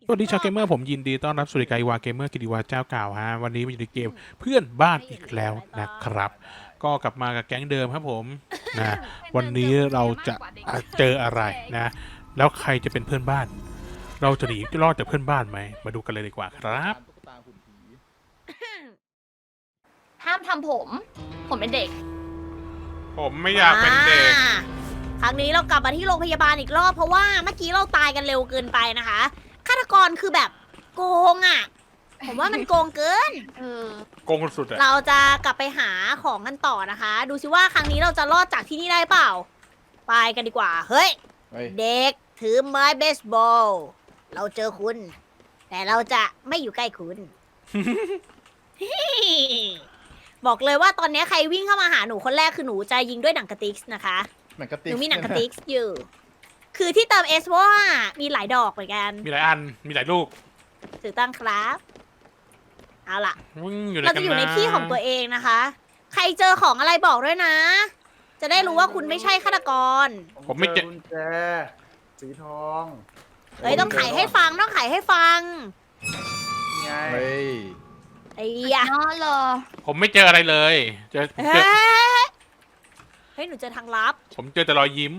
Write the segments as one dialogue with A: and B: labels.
A: สวัสดีชาวเกมเมอร์ผมยินดีต้อนรับสู่รายการวาเกมเมอร์กิติวาเจ้าเก่าฮะวันนี้มาอยู่ในเกมเพื่อนบ้านอีกแล้วนะครับ ก็กลับมากับแก๊งเดิมครับผมนะวันนี้เราจะเจออะไรนะ แล้วใครจะเป็นเพื่อนบ้าน เราจะหนีรอดจากเพื่อนบ้านไหมมาดูกันเลยดีกว่าครับ
B: ตุ๊กตาหุ่นผี
C: ห้ามทำผม ผมเป็นเด็ก
A: ผมไม่อยากเป็นเด็ก
D: ครั้งนี้เรากลับมาที่โรงพยาบาลอีกรอบเพราะว่าเมื่อกี้เราตายกันเร็วเกินไปนะคะฆาตกรคือแบบโกงอ่ะ ผมว่ามันโกงเกิน
A: โกงสุดๆอะ
D: เราจะกลับไปหาของกันต่อนะคะ ดูสิว่าครั้งนี้เราจะรอดจากที่นี่ได้เปล่า ไปกันดีกว่า เฮ้ย
B: เฮ้ย
D: เด็กถือไม้เบสบอล เราเจอคุณ แต่เราจะไม่อยู่ใกล้คุณ บอกเลยว่าตอนนี้ใครวิ่งเข้ามาหาหนูคนแรกคือหนูจะยิงด้วยหนังกระติกนะคะ
B: หนังกระ
D: ห
B: ติก
D: นูมีหนังกระติกอยู่ คือที่เติมเอสเพราะว่ามีหลายดอกเหมือนกัน
A: มีหลายอันมีหลายลูก
D: ถูกต้องครับ เอาล่ะ
A: อยู่ไหน
D: เรา
A: กั
D: จะ
A: น
D: อยู่ใน
A: นะ
D: ที่ของตัวเองนะคะ ใครเจอของอะไรบอกด้วยนะ จะได้รู้ว่าคุณไม่ใช่ฆาตกร
A: ผมไม่เจอ
E: กุญแจสีทอง
D: เฮ้ยต้องไขให้ฟังต้องไขให้ฟัง
E: ไง
B: เฮ้ย
D: ไอ้ยะ
C: นอนเหรอ
A: ผมไม่เจออะไรเลยเจอ
D: เฮ้ยเฮ้ยหนูเจอทางลับ
A: ผมเจอแต่รอยยิ้ม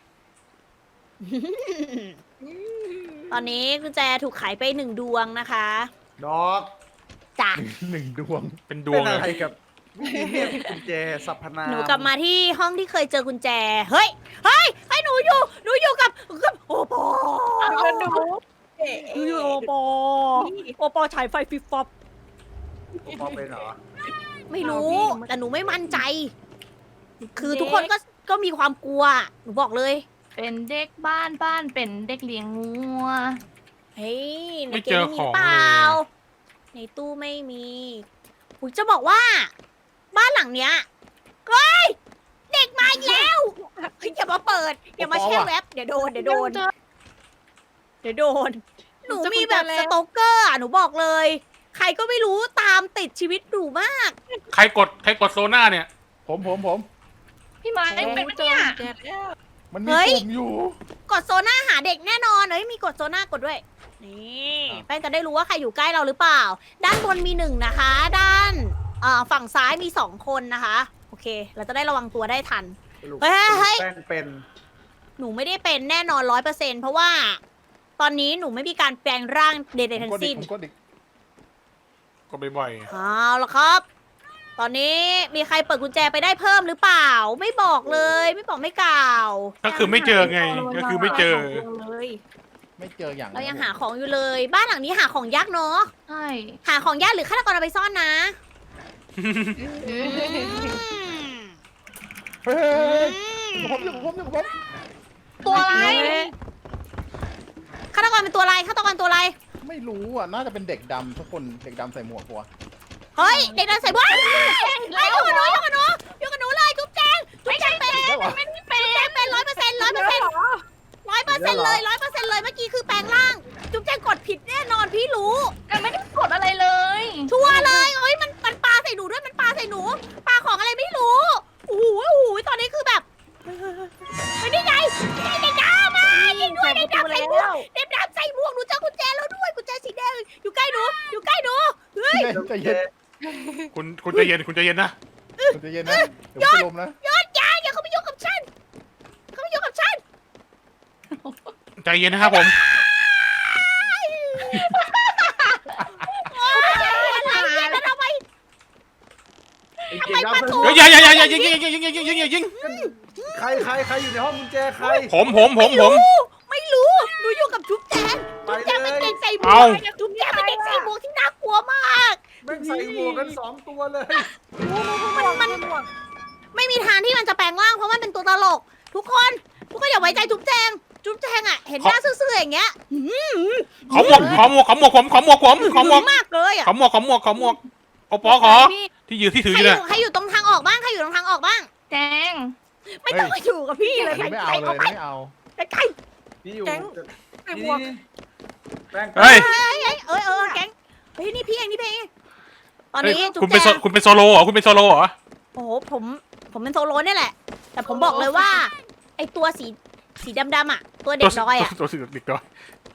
D: ตอนนี้กุญแจถูกไขไป1 ดวงนะคะ
E: ดอก
D: จ้ะ
B: หนึ่งดวง
A: เป็นดว
E: เป็
A: ง
E: น
A: เล
E: อะไร
A: ย
E: กับวิธีเรียกกุญแจสรรพนาม
D: หนูกลับมาที่ห้องที่เคยเจอกุญแจ เฮ้ยให้หนูอยู่กับโอปอ
C: หนู
D: อยู่โอปอโอปอฉายไฟฟิบฟับ
E: ผมมองเป็นเหรอ
D: ไม่รู้ แต่หนูไม่มั่นใจ คือทุกคนก็มีความกลัว หนูบอกเลย
C: เป็นเด็กบ้านเป็นเด็กเลี้ยงงัว
D: เฮ้ยใน
A: ไม่
D: เก
A: เจ
D: ม
A: อ
D: มี
A: ของ
D: เปล่า
A: เลย
D: ในตู้ไม่มีอุยจะบอกว่า บ้านหลังเนี้ยเฮ้ยเด็กมาอีกแล้วเฮ้ยอย่ามาเปิด อย่ามาแช่แว็บเดี๋ยวโดน เดี๋ยวโดน เดี๋ยวโดน หนูมีแบบสโตกเกอร์อ่ะ หนูบอกเลย ใครก็ไม่รู้ตามติดชีวิตหนูมาก
A: ใครกดโซน่าเนี่ย
B: ผม
C: พี่ไม้เป็นปะเนี่ย
B: มันมี
D: เฮ้ย
B: ปุ่มอยู่
D: กดโซน่าหาเด็กแน่นอนเฮ้ยมีกดโซน่ากดด้วย นี่
B: อ่ะ
D: แป้งจะได้รู้ว่าใครอยู่ใกล้เราหรือเปล่า ด้านบนมี1นะคะ ด้านฝั่งซ้ายมี2คนนะคะ โอเค เราจะได้ระวังตัวได้ทัน
E: สรุป
D: เฮ้ย
E: แป้งเป็น
D: หนูไม่ได้เป็นแน่นอน100%เพราะว่า ตอนนี้หนูไม่มีการแปลงร่างใดๆ
B: ผม
D: ทั้
B: ก
D: ง
B: ดอี
D: สิ้
B: ก
D: น
B: ผมกดอีก
A: ก็บ่อย
D: เอาละครับ ตอนนี้มีใครเปิดกุญแจไปได้เพิ่มหรือเปล่า ไม่บอกเลย ไม่บอกไม่กล่าว
A: ๆก็คือไม่เจอไงก็คือไม่เจอ
D: เลย
B: ไม่เจออย่าง
D: เรายังหาของอยู่เลย บ้านหลังนี้หาของยากเนาะ
C: ใช่
D: หาของยากหรือฆาตกรเอาไปซ่อนนะ
B: เฮ้ยผมอยู่ผม
C: ตัวอะไร
D: ฆาตกรเป็นตัวอะไรฆาตกรตัวอะไร
B: ไม่รู้อ่ะ น่าจะเป็นเด็กดำทุกคน เด็กดำใส่หมวกหัว
D: เฮ้ย เด็กนั้นใส่บ้านอยู่กับหนูอยู่กับหนูอยู่กับหนูเลยจุ๊บแจงจุ๊บแจงเป็น
B: ได้เหรอ
D: จุ๊บแจงเป็น100%เลยเมื่อกี้คือแปลงร่าง จุ๊บแจงกดผิดแน่นอนพี่รู้
C: แต่ไม่ได้กดอะไรเลย
D: ชัวร์เลยเอ้ยมันปาใส่หนูด้วยมันปาใส่หนูปาของอะไรไม่รู้โอ้โหตอนนี้คือแบบเฮ้ยนี่ไงเด็กดำมายิงด้วยเด็กดำใส่หมวกเด็กดำใส่หมวกหนูเจอกุญแจแล้วด้วยกุญแจสีแดงอยู่ใกล้หนูเฮ้ย
B: ใจเย็น
A: คุณใจเย็นคุณใจเย็นนะ
B: ใจเย็นนะ เดี๋ยวจะลมนะ
D: ยอดยาอย่าเข้ามายุ่งกับฉันเข้ามายุ่งกับฉัน
A: ใจเย็นนะครับผม
D: โอ๊ยอะไรเนี่ยแล้วทำไม
E: ไอ้เก่งดำสนุก
A: เฮ้ยอย่ายิง
E: ใครอยู่ในห้องกุญแจใคร
A: ผม
D: ไม่รู้หนูอยู่กับจุ๊บแจงจุ๊บแจงเป็นเด็กใส่หมว
A: เอา
D: กจุ๊บแจงเป็นเด็กใส่หมวกที่น่ากลัวมาก
E: แม่งใส่หมวกกัน2 ตัวเลย
D: มันไม่มีทางที่มันจะแปลงร่างเพราะมันเป็นตัวตลก ทุกคนอย่าไว้ใจจุ๊บแจงอ่ะเห็นหน้าซื่อๆอย่างเงี้ย
A: ขอหมวก
D: มากเลยอ่ะ
A: โอปอขอที่ยืนที่ถืออยู่เนี่ย
D: ใครอยู่ตรงทางออกบ้างใครอยู่ตรงทางออกบ้าง
C: แจง
D: ไม่ต้องมาอยู่กับพี่เลย
B: ไม่เอา
D: ใคร
B: เลย
D: เอาไป
B: ไม่เอา
D: ใคร
E: นี่อยู่
D: แก๊ง
E: นี่แป้ง
A: เฮ้ย
D: แก๊งเฮ้ยนี่พี่เองตอนนี้จุ๊
A: คุณ
D: บ
A: เป็น
D: แจง
A: คุณเป็นโซโล่เหรอคุณเป็นโซโล่เหรอ
D: โอ้โหผมเป็นโซโลเนี่ยแหละ แต่ผมบอกเลยว่า ไอตัวสีดำๆอ่ะ ตัวเด็กดอยอ่ะ
A: ตัวสีเด็กดอย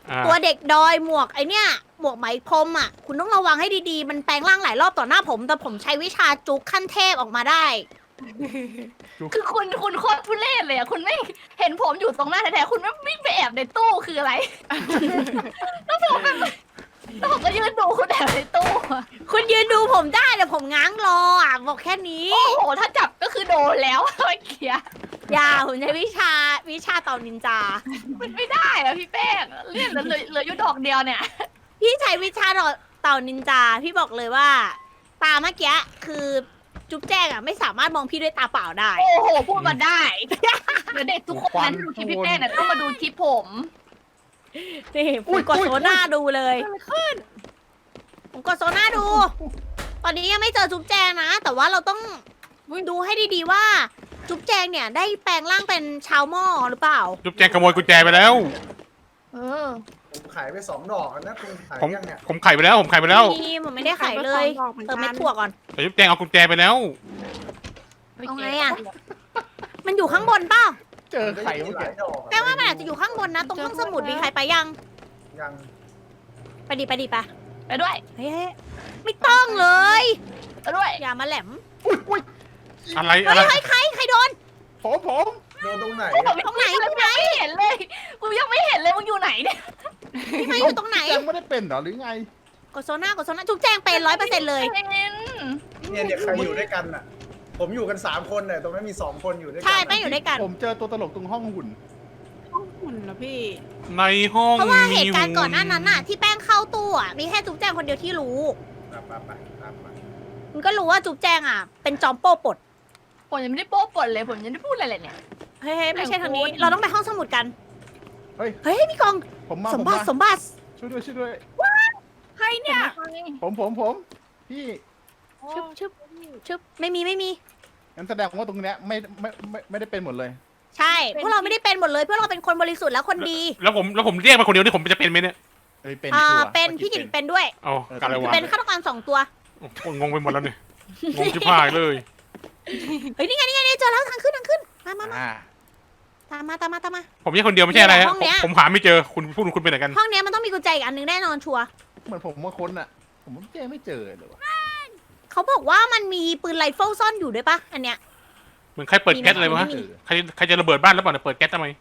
A: อ่า
D: ตัวเด็กดอยหมวกไอเนี้ยหมวกไหมพรมอ่ะ คุณต้องระวังให้ดีๆ มันแปลงร่างหลายรอบต่อหน้าผม แต่ผมใช้วิชาจุกขั้นเทพออกมาได้
C: คือคุณโคตรทุเรศเลยอะคุณไม่เห็นผมอยู่ตรงหน้าแท้ๆคุณไม่วิ่งไปแอบในตู้คืออะไร แล้วผมก็ยืนดูคุณแอบในตู้อะ
D: คุณยืนดูผมได้แต่ผมง้างรออ่ะบอกแค่นี้
C: โอ้โหถ้าจับก็คือโดนแล้วเมื่อกี้
D: อย่าผมใช้วิชาเต่านินจา
C: มันไม่ได้อะพี่แป้งเลื่อนเหลืออยู่ดอกเดียวเนี่ย
D: พี่ใช้วิชาเต่านินจา พี่บอกเลยว่า ตาเมื่อกี้คือจุ๊บแจ้งอ่ะไม่สามารถมองพี่ด้วยตาเปล่าได้
C: โอ้โหพูดมาได้เดี๋ยวเด็กทุกคนนั้นดูคลิปพี่แป้งเนี่ยต้องมาดูคลิปผม
D: นี่ผมกดโซน่าดูเลยผมกดโซน่าดู ตอนนี้ยังไม่เจอจุ๊บแจงนะ แต่ว่าเราต้องดูให้ดีๆว่า จุ๊บแจงเนี่ยได้แปลงร่างเป็นชาวหม้อหรือเปล่า
A: จุ๊บแจงขโมยกุญแจไปแล้ว
C: เออ
E: ผมขายไป2 ดอกแล้วนะคุณขาย
A: ผม
E: ยังเนี่ย
A: ผมไขไปแล้วผมไขไปแล้ว
D: นี่ผมไม่ได้ขายเลย เติมเม็ดถั่วก่อน
A: แต่จุ๊บแจงเอากุญแจไปแล้ว
D: เอาไงอะ มันอยู่ข้างบนเปล่า
B: เจอไข่
E: ห
B: เมื่อ
E: ลา
B: กี้
E: ยดอก
D: แปลว่ามันอาจจะอยู่ข้างบนนะ ตรงห้องสมุดมีใครไปยัง
E: ยัง
D: ไปดิไป
C: ไปด้วย
D: เฮ้ยไม่ต้องเลย
C: ไปด้วย
D: อย่ามาแหลม
B: อุ้ย
A: อะไร
D: เฮ้
A: อะไร
D: ยใครโดน
B: ผม
E: โดนตรงไหน
C: ผม
E: อะ
C: ตรงไหนไม่เห็นเลยกูยังไม่เห็นเลยมึงอยู่ไหนเนี่ย
D: พี่ไม้อยู่ตรงไหน
B: แจงไม่ได้เป็นเหรอหรือไง
D: กดโซน่าจุ๊บแจงเป็น100%เลย
E: เนี่ยใครอยู่ด้วยกันอ่ะ ผมอยู่กัน3 คนเนี่ยตรงนั้นมี2 คนอยู่ด้วยกั
D: ใช่
E: อะ
D: แป้งอยู่ด้วยกัน
B: ผมเจอตัวตลกตรงห้องหุ่น
F: หุ่นนะพี่
A: ในห้อง
D: เพราะว่าเห
A: มี
D: ตุการณ์ก่อนหน้านั้นน่ะ ที่แป้งเข้าตู้อ่ะมีแค่จุ๊บแจงคนเดียวที่รู้
E: ไปตามมา
D: มันก็รู้ว่าจุ๊บแจงอ่ะ เป็นจอมโป้ปลด
C: ผมยังไม่ได้โป๊ะปดเลยผมยังไม่ได้พูดอะไรเลยเนี่ย
D: เฮ้ยไม่ใช่ทางนี้ เราต้องไปห้องสมุดกัน
B: เฮ้ย
D: เฮ้ยพี่กอง
B: ผมมา
D: ส
B: ผม ม
D: บั
B: มา
D: ติสมบัติ
B: ช่วยด้วย
F: ใครเนี่ย
B: ผมพี่
D: ชึบไม่มี
B: งั้นแสดงว่าตรงเนี้ยไม่ได้เป็นหมดเลย
D: ใช่พวกเราไม่ได้เป็นหมดเลยพวกเราเป็นคนบริสุทธิ์และคนดี
A: แล้วผมเรียกมาคนเดียวนี่ผมจะเป็นไหมเนี่ย
B: เป็น
D: อ่า
B: ชัวร์
D: เป็น
B: มื่อ
D: พี่กิ
B: เป็
D: นเป็นด้วย
A: เอาการอะไรวะ
D: เป็นฆาตกร2 ตัว
A: โอ้โหงงไปหมดแล้วเนี่ยงงชิบหายเลย
D: เฮ้ยนี่ไงเจอแล้วทางขึ้นมา
B: อ่า
D: ตามมา
A: ผมแยกคนเดียวไม่ใช่อะไร
D: เนี่ย
A: ฮะ
D: ห้องเนี้ย
A: ผมหาไม่เจอคุณพูดคุณไปไหนกัน
D: ห้องเนี้ยมันต้องมีกุญแจอีกอันหนึงแน่นอนชัวร์
B: เหมือนผมว่าค้นอ่ะ ผมแจไม่เจอเลยวะ
D: เขาบอกว่ามันมีปืนไรเฟิลซ่อนอยู่ด้วยปะอันเนี้ย
A: เหมือนใครเปิดแก๊สอะไรวะ
D: ไม่มี
A: ใครจะระเบิดบ้านแล้วเปล่าเนี่ยเปิดแก๊สทำไม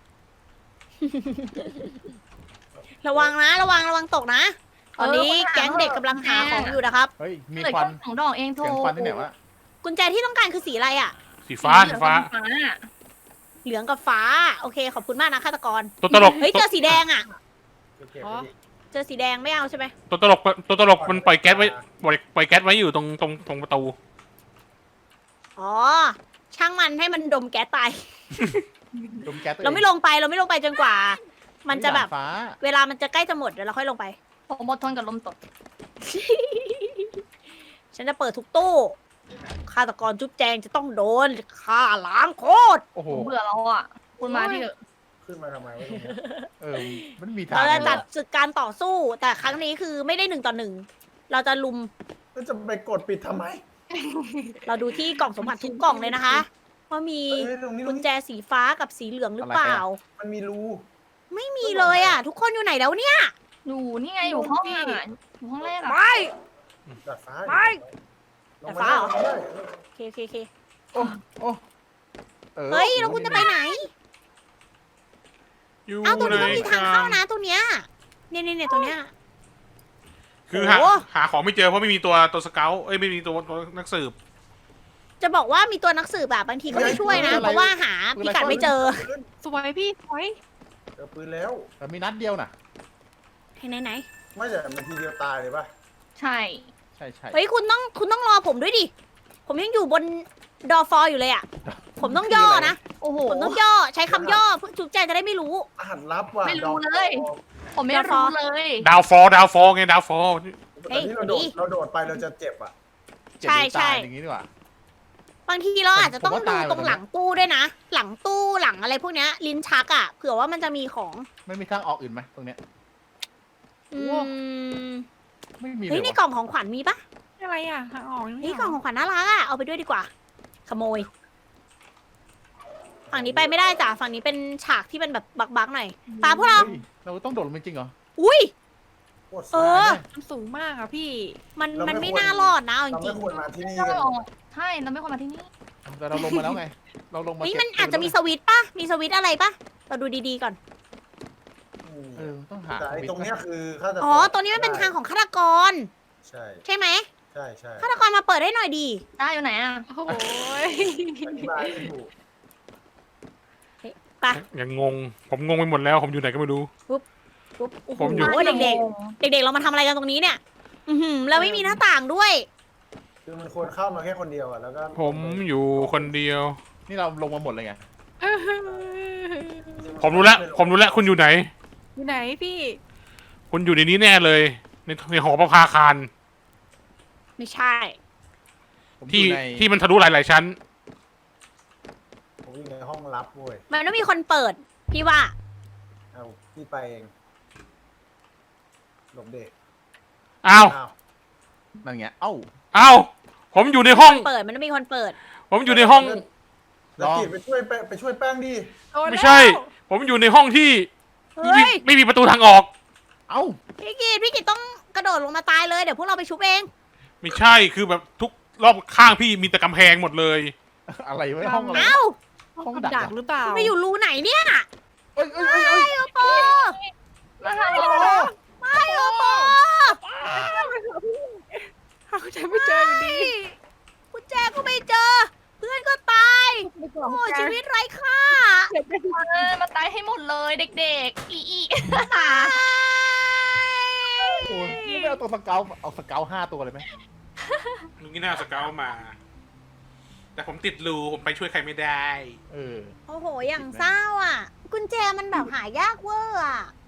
D: ระวังตกนะ ตอนนี้แก๊งเด็กกำลังหาของอยู่นะครับ
B: เฮ้ยมี
C: เหลือ
B: ควัน
C: แค่2 ดอกเองโท
B: เสียงควันที่ไหนวะ
D: กุญแจที่ต้องการคือสีอะไรอ่ะ
A: สีฟ้า
D: เหลืองกับฟ้า โอเค ขอบคุณมากนะฆาตกร
A: ตัวตลก
D: เฮ้ยเจอสีแดงอ่ะ
E: โอเคไปดิ
D: เจอสีแดงไม่เอาใช่ไหม
A: ตัวตลกมันปล่อยแก๊สไว้ปล่อยแก๊สไว้อยู่ตรงประตู
D: อ๋อ ช่างมันให้มันดมแก๊สตาย
B: ดมแก๊สตัว
D: เราไม่ลงไปจนกว่า มันจะแบบ
B: ฟ้า
D: เวลามันจะใกล้จะหมดเดี๋ยวเราค่อยลงไป
C: ผมอดทนกับลมตด
D: ฉันจะเปิดทุกตู้ ฆาตกรจุ๊บแจงจะต้องโดนฆ่าล้างโคตร
B: โอ้โห
C: ผมเบื่อแล้วอ่ะคุณมาที่เถอะ
E: ขึ้นมาทำไมวะตรงเนี้ย
B: มันมีทาง
D: เราจะจัดศึกการต่อสู้ แต่ครั้งนี้คือไม่ได้1 ต่อ 1 เราจะลุม
E: แล้วจะไปกดปิดทำไม
D: เราดูที่กล่องสมบัติทุกกล่องเลยนะคะว่ามี
E: เอ้ยตรงนี้
D: กุญแจสีฟ้ากับสีเหลืองหรือเปล่า
E: มันมีรู
D: ไม่มีเลยอ่ะ ทุกคนอยู่ไหนแล้วเนี่ย
C: อยู่นี่ไงอยู่ห้องอ่ะอยู่ห้องแรกอ่ะ
D: ไม่
E: ดาดฟ้า
D: ไม่
E: ลง
D: ดาดฟ้าเหรอ
E: ลงมาได้
D: โอเค
B: โอ้
D: เฮ้ยแล้วคุณจะไปไหน
A: อยู่
D: เอ้าตรงนี้
A: ใน
D: ก็มีทางเข้านะตรงเนี้ยเนี่ยตรงเนี้ย
A: คือ
D: โอ้
A: หาของไม่เจอเพราะไม่มีตัวสเกลไม่มีตัวนักสืบ
D: จะบอกว่ามีตัวนักสืบแบบบางทีก็ไม่ช่วยนะ เพราะว่าหาพิกัดไม่เจอ
F: สวยพี่สวย
E: เจอปืนแล้ว
B: แต่มีนัดเดียวน่ะ
D: ไหน
E: ไม่แต่มันทีเดียวตายเลยป่ะ
C: ใช่
B: ใช่
D: เฮ้ยคุณต้องรอผมด้วยดิ ผมยังอยู่บนดอฟอร์อยู่เลยอ่ะ ผมต้องย่อนะ
C: โอ้โห
D: ผมต้องย่อใช้คำย่อเพื่อจุ๊บแจงจะได้ไม่รู้
E: อาหารลับว่ะ
C: ไม่รู้
E: ดอก
C: เลย ผมไม่รู้เลย
A: ดาวฟอลไงดาวฟอล
E: แต่นี่เราโดดไปเราจะเจ็บอ่ะ
B: เจ็บหรือตายอย่างนี้ดีกว่า
D: บางทีเราอาจจะต้อง
B: ผมว่า
D: ดู
B: ตาย
D: ตรงหลังตู้ด้วยนะ หลังตู้หลังอะไรพวกเนี้ยลิ้นชักอ่ะเผื่อว่ามันจะมีของ
B: ไม่มีทางออกอื่นไหมตรงเนี้ย
D: อืม
B: ไม่มีเล
D: เฮ้ย
B: ย
D: ใน
B: วะ
D: กล่องของขวัญมีปะ
F: อะไรอ่ะทางออกยังไม่
D: เฮ้ย
F: อ
D: กล่องของขวัญน่ารักอ่ะเอาไปด้วยดีกว่า ขโมย ฝั่งนี้ไปไม่ได้จ้ะฝั่งนี้เป็นฉากที่เป็นแบบบักๆหน่อยตามพวกเรา
B: เฮ้ยเราต้องโดดลงไปจริงเหรอ
D: อุ้ย
E: โคตร
D: เอ
E: สวย
D: อ
F: มันสูงมากอะพี่
D: มันไม่น่ารอดนะเอาจ
E: เรา
D: ริ
E: ไม่
D: ง
E: ควรมาที่นี่
C: เรา
E: กัน
C: ไม่ออกใช่เราไม่ควรมาที่นี่
B: แต่เราลงมาแล้วไง เราลง
D: ๆ
B: มา
D: นี่
B: เก็บ
D: มันอาจจะมีสวิตช์ปะมีสวิตช์อะไรปะเราดูดีๆก่อน
B: เออต้องหา
E: แต่ไอ้ตรงเนี้ยคือฆาตกร
D: อ๋อ ตัวนี้มันเป็นทางของฆาตกร
E: ใช่
D: ใช่ไหม
E: ใช่ใช่
D: ฆาตกรมาเปิดให้หน่อยดี
C: ได้อยู่ไหนอ่ะ
F: โอ้โห
E: อธิบายไม่ถูก
D: ไป
A: ยังงง ผมงงไปหมดแล้ว ผมอยู่ไหนก็ไม่รู้
D: ปุ๊บโอ้โห
A: ผมอยู่
D: เด็กๆ เด็กๆ เรามาทำอะไรกันตรงนี้เนี่ย อือหือแล้วไม่มีหน้าต่างด้วย
E: คือมันควรเข้ามาแค่คนเดียวอ่ะแล้วก็
A: ผมอยู่คนเดียว
B: นี่เราลงมาหมดเลยไง
A: ผมรู้แล้ว ผมรู้แล้ว คุณอยู่ไหน
F: อยู่ไหนพี่
A: คุณอยู่ในนี้แน่เลย ในหอประภาคาร
D: ไม่ใช่
B: ผมอ
A: ที่
B: ยู่ใน
A: ที่มันทะลุหลายๆชั้น
E: ผมอยู่ในห้องลับเว้ย
D: มันต้องมีคนเปิด พี่ว่า
E: เอาพี่ไปเองหลบเด็ก
A: อ้าว
E: อ้าว
B: นั่นไงเอ้า
A: อ้าว ผมอยู่ในห้อง
D: เปิด มันต้องมีคนเปิด
A: ผมอยู่ในห้อง
E: แล้วกิจไปช่วยไปช่วยแป้งดิ
F: โดนแล้ว
A: ไม่ใช่ ผมอยู่ในห้องที่
D: เฮ้ย
A: ไม่มีประตูทางออก
B: เอ้า
D: พี่กิตต้องกระโดดลงมาตายเลย เดี๋ยวพวกเราไปชุบเอง
A: ไม่ใช่ คือแบบทุกรอบข้างพี่มีแต่กำแพงหมดเลย
B: อะไรไว้ห้องอะไร
D: เอ้า
B: ห้อง
F: กับ
B: ดัก
F: ดัก
B: เหรอ
F: หรือเปล่า
D: ไปอยู่รูไหนเนี่ย
B: เอ้ยเอ้ยเอ้ยเอ้ย
D: โอปอ
C: มาทาง
B: โอ้
C: นี้
B: โห
D: ไม่โอปอ
F: หาจะไม่เจออยู่ดี
D: กุญแจก็ไม่เจอ เพื่อนก็ตาย โอ้ชีวิตไร้ค่า
C: มาตายให้หมดเลยเด็กๆอี
B: โอ้ยนี่ไม่เอาตัวสเกลเอาสเกล5 ตัวเลยไหม
A: มึงนี่น่าสเกลมา แต่ผมติดรูผมไปช่วยใครไม่ได้
B: เออ
D: โอ้โห อย่างเศร้าอ่ะ กุญแจมันแบบหายากเวอร์อ่ะ